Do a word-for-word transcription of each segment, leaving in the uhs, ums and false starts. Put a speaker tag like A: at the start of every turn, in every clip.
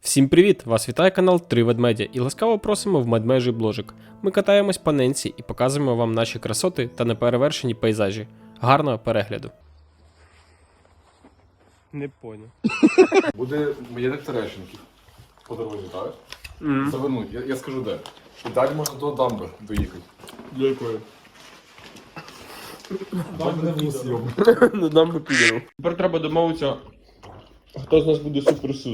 A: Всім привіт! Вас вітає канал Три Ведмедя і ласкаво просимо в медмежий бложик. Ми катаємось по ненці і показуємо вам наші красоти та неперевершені пейзажі. Гарного перегляду! Не понял.
B: Буде маєток Терещенків по дорозі, так?
A: Mm.
B: Завернуть, я, я скажу де. І далі можна до дамби доїхати.
A: До якої?
B: Дамби не було сйом.
A: На дамбу підемо. Тепер треба домовитися, хто з нас буде суперсус.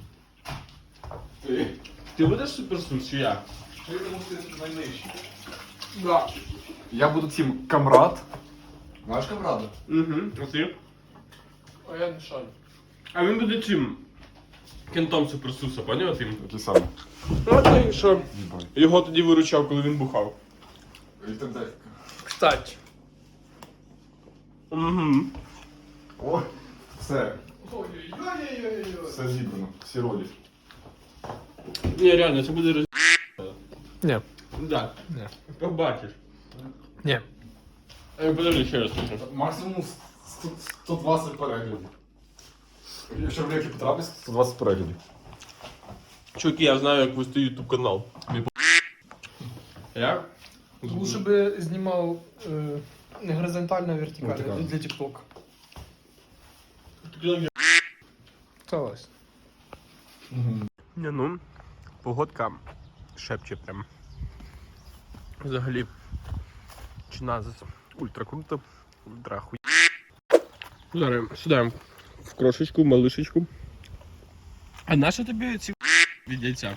B: Ти?
A: Ти будеш суперсус чи я?
B: Ти тому що ти найнижчий.
A: Да.
B: Я буду тим камрад. Знаєш камрада?
A: Угу. А ти?
B: А я не шарю.
A: А він буде чим? Кентом суперсуса, поняв тим?
B: Який саме?
A: Ну ти що?
B: Їбай.
A: Його тоді виручав, коли він бухав.
B: Вітерделька.
A: Кстати. Угу.
B: О, все. Все зібрано, всі ролі.
A: Ні, реально, це буде роз...
C: Ні.
A: Да.
C: Ні.
A: Побачиш.
C: Ні.
A: Е, Подожди, ще раз скажу.
B: Максимум сто сто двадцять переглядів. Якщо в реки потрапить, сто двадцять переглядів.
A: Чуваки, я знаю, як вести ютуб канал. Як?
C: Лучше би знімав е, не горизонтально, а вертикально,
B: Вертикально.
C: для TikTok. Согласен.
A: Не, ну, погодка шепче прям. Взагалі, чи нас ультра круто, ультра хуй. Зараз сюди в крошечку, малишечку. А нащо тобі ці від яйця?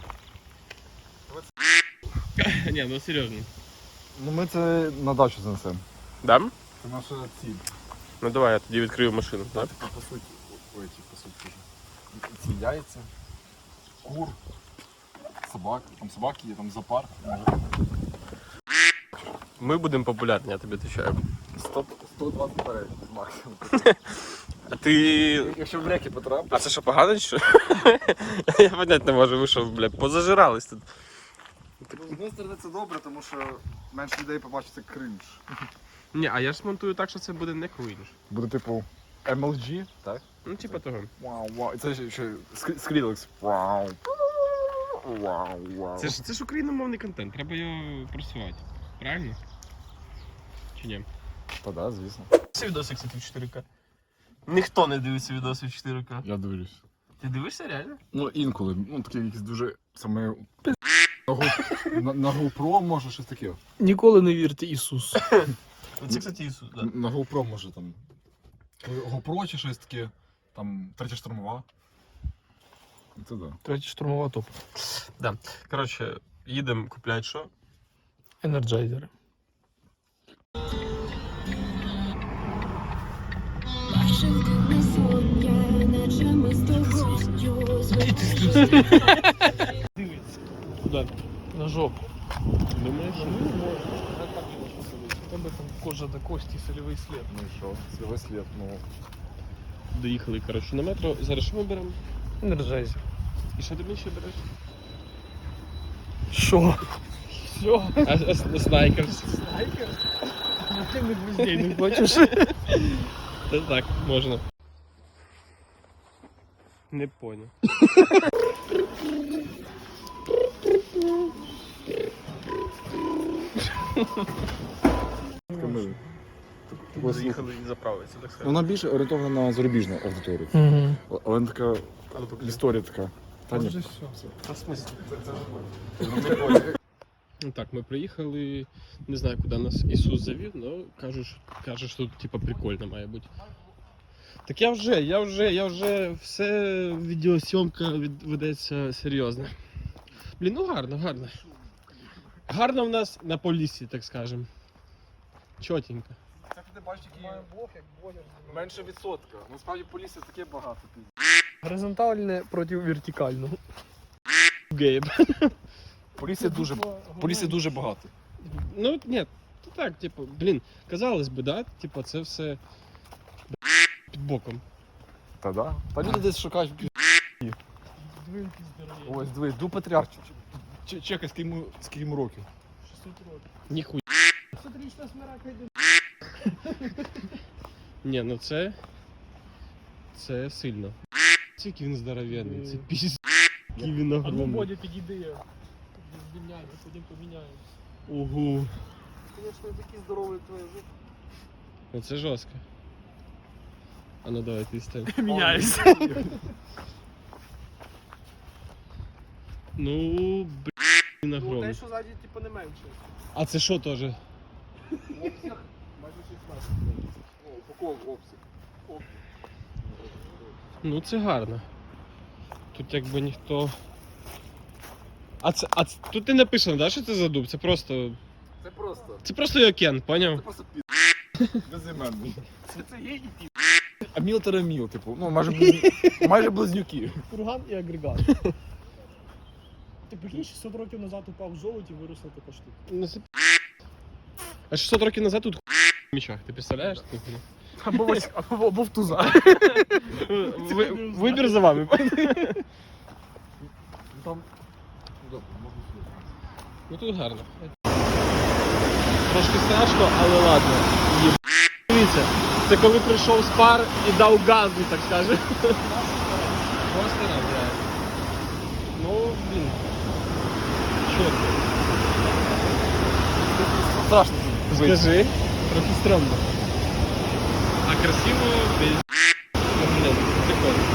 A: Ні, ну серйозно.
B: Ну ми це на дачу занесемо.
A: Да?
B: Це наша ціль.
A: Ну давай, я тоді відкрию машину, так?
B: Так, по суті, ой, ті, по суті. Ці яйця, кур, собак, там собаки є, там зоопарк.
A: Ми будемо популярні, я тобі відповідаю.
B: сто двадцять переглядів максимум.
A: А ти...
B: Якщо в реки потрапить.
A: А це що, погано, чи що? Я понять не можу, ви що, бля, позажирались тут.
B: З однієї сторони це добре, тому що менше людей побачить це кринж.
A: Ні, а я ж смонтую так, що це буде не крінж.
B: Буде типу ем ел джі, так?
A: Ну, типа того.
B: Вау, вау. І це ще, ще скрілекс. Вау. Вау, вау.
A: Це ж, це ж україномовний контент, треба його просувати. Правильно? Чи ні?
B: Та да, звісно.
A: Це відоси, кстати, в чотири ка. Ніхто не дивиться відоси в чотири ка.
B: Я дивлюсь.
A: Ти дивишся реально?
B: Ну інколи, ну такі якісь дуже саме на, Go- на, на GoPro може щось таке.
C: Ніколи не вірте Ісусу.
A: Це, кстати, Ісус, да.
B: На GoPro може там. GoPro чи щось таке, там третя штурмова. Це да.
C: Третя штурмова топ.
A: Коротше, їдемо купляти що?
C: Енерджайзери. Дивіться.
A: Куди?
C: На жопу.
A: Думаєш?
C: Там би там кожа до кості, сольовий слід.
B: Ну і що? Свій слід, ну.
A: Доїхали, коротше, на метро. Зараз що ми беремо?
C: Енерджайзер.
A: І що тобі ще береш?
C: Що? Все.
A: А, а, снайкерс.
C: Снайпер? Ну ти не гвоздей не хочеш.
A: Та так, можна. Не понял.
B: Камили.
A: Заїхали і заправитися, так сказати.
B: Вона більше орієнтована на зарубіжну аудиторію.
C: Угу.
B: Але вона така, історія така. Та ні.
C: Вже все.
A: А в смысле? Ну так, ми приїхали, не знаю, куди нас Ісус завів, але каже, що, каже, що тут типа прикольно має бути. Так я вже, я вже, я вже, все відеосйомка від, ведеться серйозно. Блін, ну гарно, гарно. Гарно в нас на полісі, так скажем. Чотенько.
B: Це ти бачиш, який має блок, як блогер. Менше відсотка. Насправді по лісі таке багато.
C: Горизонтальне проти вертикального.
A: Гейб.
B: По лісі дуже, по лісі дуже багато.
A: Ну, ні, то так, типу, блін, казалось би, да, типу, це все під боком.
B: Та да? Та люди десь шукають. Ось, дивись, ду патріарх. Ч- Чекай, скільки йому, скільки йому років.
C: шістсот років.
A: Ніхуя.
C: шістсотрічна смирака йде.
A: Ні, ну це. Це сильно. Скільки він здоровенний, це пізд. Який він
C: А ну,
A: огромний.
C: Бодя, підійди. Звільняйся, потім поміняємось.
A: Ого.
C: Звісно, такий здоровий твоя жопа.
A: Оце жорстко. А ну давай ти стань.
C: Міняєшся.
A: Ну, блін,
C: Ну,
A: огромний.
C: те, що ззаді, типу, не менше.
A: А це що теж?
B: Обсяг майже шістнадцять. О, упаковок обсяг. Обсяг.
A: Ну це гарно. Тут якби ніхто. А це. А це, тут не написано, да, що це за дуб? Це просто.
B: Це просто.
A: Це просто Йокен,
B: Це
A: поняв?
B: просто пі... Безіменний.
C: Це, це є і пів.
B: А міл тереміл, типу, ну майже, близ- майже близнюки.
C: Курган і агрегат. Ти прикинь, шістсот років назад упав в золоті, виросла така штука.
A: Ну це. А шістсот років назад тут в мічах, ти представляєш?
C: Або, ось- або, або в туза.
A: Ви- Вибір за вами.
B: Ну там. Добре, можна сюди.
A: Ну тут гарно. Трошки страшно, але ладно. Є- Дивіться, це коли прийшов з пар і дав газу, так скажемо. Просто раз, реально. Ну, блін. Чорт.
B: Страшно.
A: Скажи, трохи стрьомно. А красиво, без... Ну, блін, прикольно.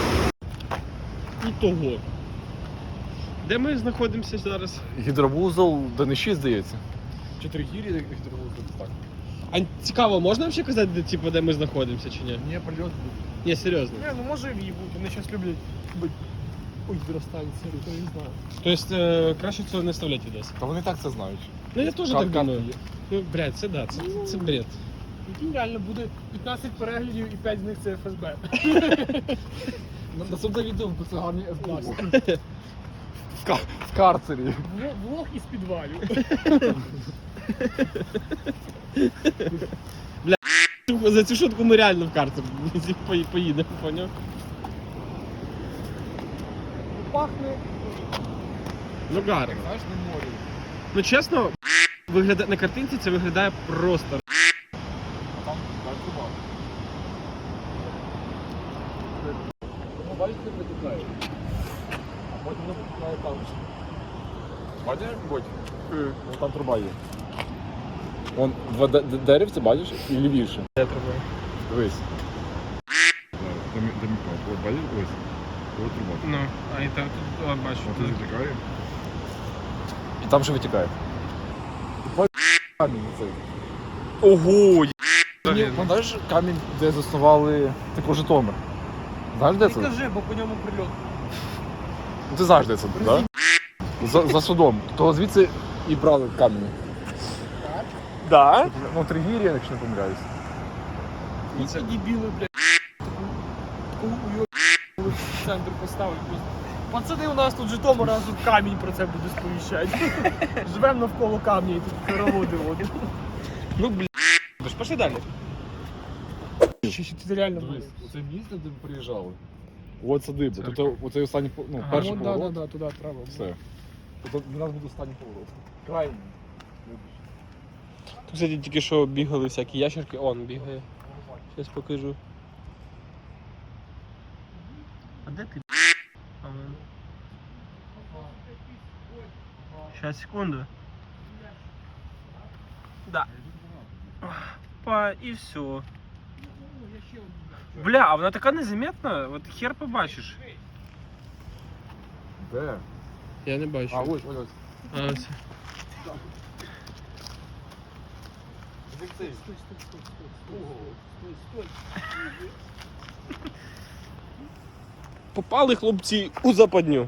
A: І того. Де ми знаходимося зараз?
B: Гідровузол Даниші, здається. Чотири гірі гідровузол, так.
A: А цікаво, можна взагалі казати, де, типу, де ми знаходимося чи ні?
B: Ні, прильот буде.
A: Ні, серйозно.
C: Не, ну може і бути, вони зараз люблять бути у гідростанції, то не знаю.
A: Тобто е, краще цього не вставляти відос.
B: Та вони так це знають.
A: Ну я теж
B: Кар-
A: так думаю.
B: карти є.
A: Ну, блядь, це да, це, це бред.
C: Який реально буде п'ятнадцять переглядів і п'ять з них це еф ес бе.
B: На- Наступне відео в це гарні ес-баси. В ка- В карцері.
C: Влог- Влог із підвалів.
A: За цю шутку ми реально в карту по- поїдемо, поняв?
C: Пахне.
A: Ну гарно.
B: Знаєш, на морі.
A: Ну чесно, виглядає на картинці це виглядає просто.
B: А там так труба. Ну, бачите, як витікає. А потім воно витікає там. Бачиш, як Бодь? Вон там труба є. Вон два де- де- деревця, бачиш, і лівіше.
A: Де треба?
B: Дивись. От бачиш, ось. Ось труба.
A: Ну, а і так тут о, бачу.
B: От тут витікає. І там ще витікає. Камінь цей.
A: Ого!
B: Ні, пам'ятаєш камінь, де заснували типу Житомир? Знаєш, де
C: Не
B: це?
C: кажи, бо по ньому прильот.
B: Ну, ти знаєш, де це, так? Да? За, за судом. То звідси і брали камінь.
A: Да?
B: Ну, Тригір'я, якщо не помиляюсь.
C: І ці дебіли, блядь. У у його в центр поставили просто. Пацани, у нас тут Житомир, а тут камінь про це буде сповіщати. Живемо навколо камня і тут хороводи водять.
A: Ну блін. Ви ж пошли далі.
C: Ще ще ти реально
B: Дивись,
C: близько.
B: оце місце, де ми приїжджали. От садиба.
A: Церква.
B: Тут оцей останній, по- ну,
A: Ага.
B: перший
C: От, да, да,
B: поворот.
C: да, туди треба.
B: Все. Тут у нас буде останній поворот. Крайній.
A: Тут, кстати, тільки що бігали всякі ящерки. Он бігає. Зараз покажу. А де ти? Сейчас, секунду. Да. Па, и все. Бля, а вона така незаметна, от хер побачиш.
B: Де?
A: Я не бачу.
B: А, ось, ось, ось.
A: А, ось.
C: Стой, стой, стой, стой, стой, стой, стой.
A: Попали хлопці у западню.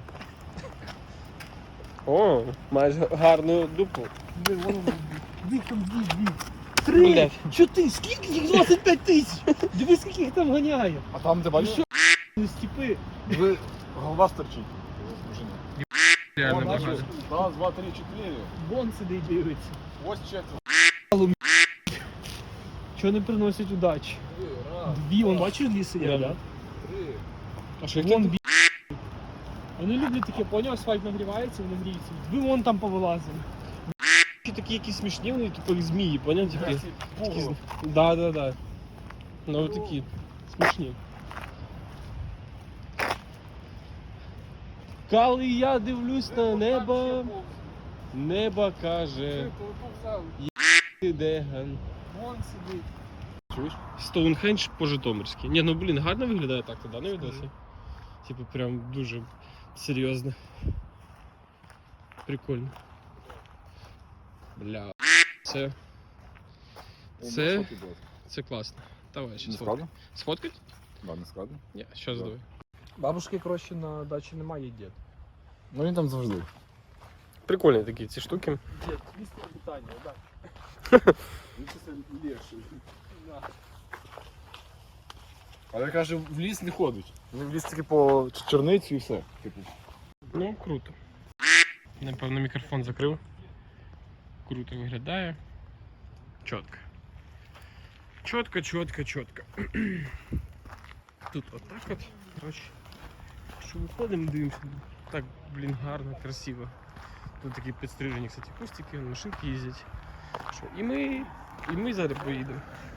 A: О, маєш гарну дупу.
C: Диви, воно дві, там дві, дві.
A: Блядь.
C: Що ти? Скільки їх? двадцять п'ять тисяч! Диви, скільки їх там ганяє.
B: А там, де бачиш,
C: Ну, стіпи.
B: ви голова стерчить.
A: Реально
B: Вон,
A: багато.
B: бачиш? Раз, два, три, чотири.
C: Вон сидить дивиться.
B: Ось четверо.
C: Чого не приносять удачі?
B: Три, раз,
C: Дві, вон бачиш, дві сидять,
A: Да.
C: да?
B: три.
A: А що
C: Вон бі. Вони люблять таке, поняв, асфальт нагрівається, вони гріються. Ви вон там повилазили.
A: такі якісь смішні, вони типу як змії, поняв? Такі.
B: Такі
A: Такі з-
B: пугало.
A: Да, да, да. Ну такі смішні. Коли я дивлюсь на небо, небо каже, ти деган.
C: Вон сидить.
B: Чуєш?
A: Стоунхендж по-житомирськи. Ні, ну блін, гарно виглядає так тоді, на відосі. Типу прям дуже серйозно. Прикольно. Бля. Це. Це. Це класно. Давай ще
B: Не
A: сфоткай.
B: складно?
A: Сфоткать?
B: Да, не складно.
A: Ні, щас
B: Да.
A: давай.
C: Бабушки, коротше, на дачі немає, є дід.
B: Ну він там завжди.
A: Прикольні такі ці штуки.
C: Дід, місце питання, так.
B: Він чисто легший. Але каже, в ліс не ходить. Він в ліс тільки по черницю і все. Типу.
A: Ну, круто. Напевно, мікрофон закрив. Круто виглядає. Чітко. Чітко, чітко, чітко. Тут отак от. Коротше. Що виходимо, дивимося. Так, блін, гарно, красиво. Тут такі підстрижені, кстати, кустики, машинки їздять. Що, і ми, і ми зараз поїдемо.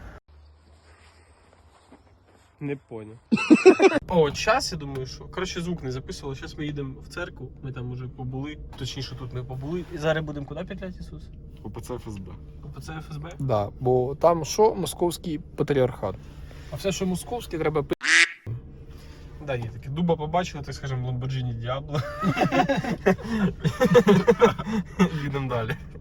A: Не понял. О, час, я думаю, що. Коротше, звук не записували. Зараз ми їдемо в церкву. Ми там вже побули. Точніше, тут ми побули. І зараз будемо куди петлять, Ісус?
B: ОПЦ ФСБ.
A: ОПЦ ФСБ?
C: Да, бо там що? Московський патріархат. А все, що московське, треба пи***.
A: Да, є таке. Дуба побачили, так скажемо, Lamborghini Diablo. Їдемо далі.